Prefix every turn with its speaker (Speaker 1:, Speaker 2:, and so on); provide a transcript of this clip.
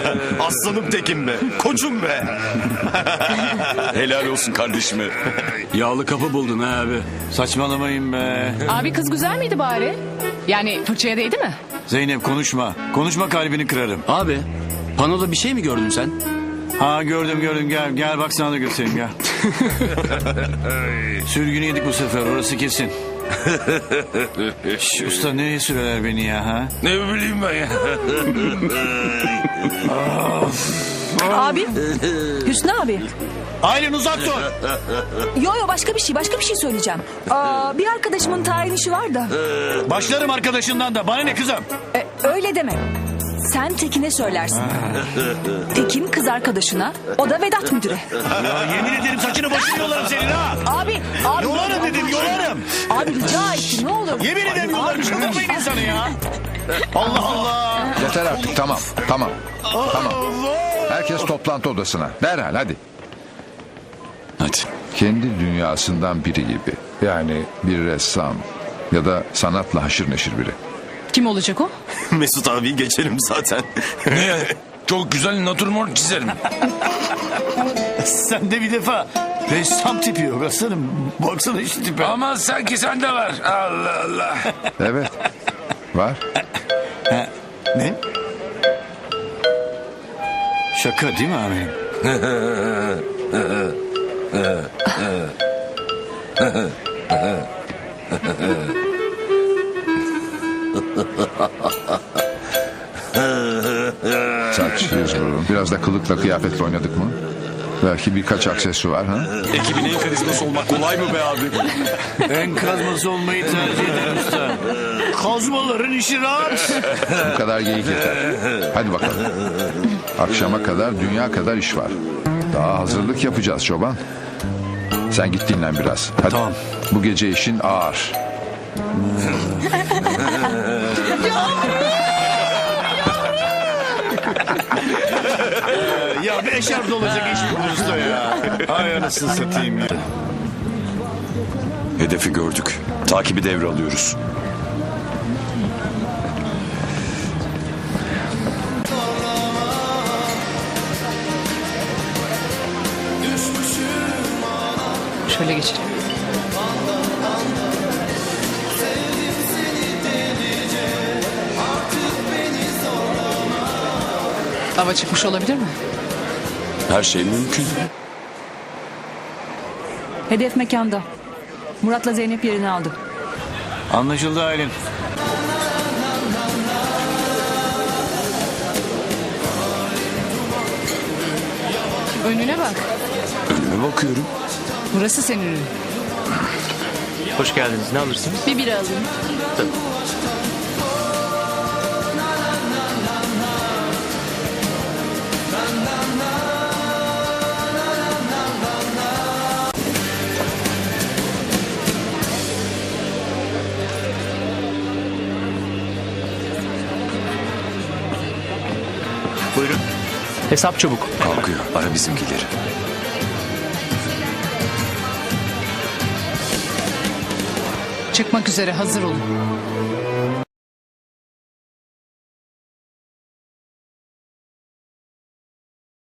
Speaker 1: Aslanım tekim be. Koçum be.
Speaker 2: Helal olsun kardeşime.
Speaker 3: Yağlı kapı buldun ha abi.
Speaker 4: Saçmalamayın be.
Speaker 5: Abi kız güzel miydi bari? Yani fırçaya değdi mi?
Speaker 4: Zeynep konuşma. Konuşma kalbini kırarım.
Speaker 3: Abi panoda bir şey mi gördün sen?
Speaker 4: Ha gördüm gel bak sana da göstereyim gel. Sürgünü yedik bu sefer orası kesin. Şş, usta nereye sürerler beni ya ha?
Speaker 2: Ne bileyim ben ya.
Speaker 6: Abi. Hüsnü abi.
Speaker 4: Aylin uzak dur.
Speaker 6: Yo başka bir şey söyleyeceğim. Bir arkadaşımın tayin işi var da.
Speaker 4: Başlarım arkadaşından da bana ne kızım?
Speaker 6: Öyle deme. Sen Tekin'e söylersin. Tekin kız arkadaşına, o da Vedat müdüre.
Speaker 4: Ya yemin ederim saçını başını yolarım senin ha.
Speaker 6: Abi.
Speaker 4: Yolarım dedim yolarım.
Speaker 6: Abi rica ettim ne olur.
Speaker 4: Yemin ederim yolarım çıldırmayın insanı ya. Allah Allah.
Speaker 7: Yeter artık tamam. Tamam. Herkes toplantı odasına. Derhal hadi.
Speaker 2: Hadi.
Speaker 7: Kendi dünyasından biri gibi. Yani bir ressam ya da sanatla haşır neşir biri.
Speaker 5: Kim olacak o?
Speaker 1: Mesut abi geçelim zaten.
Speaker 2: Ne? Çok güzel natürmort çizerim.
Speaker 4: Sen de bir defa ressam tipi yok aslanım. Baksana şu tipe.
Speaker 2: Ama sanki sende var. Allah Allah.
Speaker 7: Evet. Var.
Speaker 4: Ne? Şaka değil mi amirim?
Speaker 7: Saç, yüz burun. Biraz da kılıkla kıyafetle oynadık mı? Belki birkaç aksesuar ha?
Speaker 2: Ekibin en karizması olmak kolay mı be abi?
Speaker 4: En kazması olmayı tercih ederim usta. Kazmaların işi rahat.
Speaker 7: Bu kadar geyik yeter. Hadi bakalım. Akşama kadar dünya kadar iş var. Daha hazırlık yapacağız çoban. Sen git dinlen biraz. Hadi.
Speaker 4: Tamam.
Speaker 7: Bu gece işin ağır.
Speaker 4: Ya bir eşarp olacak iş bu usta ya. Ay anasını satayım ya.
Speaker 2: Hedefi gördük. Takibi devralıyoruz.
Speaker 5: Şöyle geçelim. Hava çıkmış olabilir mi?
Speaker 2: Her şey mümkün.
Speaker 6: Hedef mekanda. Murat'la Zeynep yerini aldı.
Speaker 4: Anlaşıldı Aylin.
Speaker 5: Önüne bak.
Speaker 2: Önüme bakıyorum.
Speaker 5: Burası senin ürün.
Speaker 8: Hoş geldiniz. Ne alırsınız?
Speaker 5: Bir bira alayım.
Speaker 8: Buyurun. Hesap çabuk.
Speaker 2: Kalkıyor. Ara bizimkileri.
Speaker 5: Çıkmak üzere hazır olun.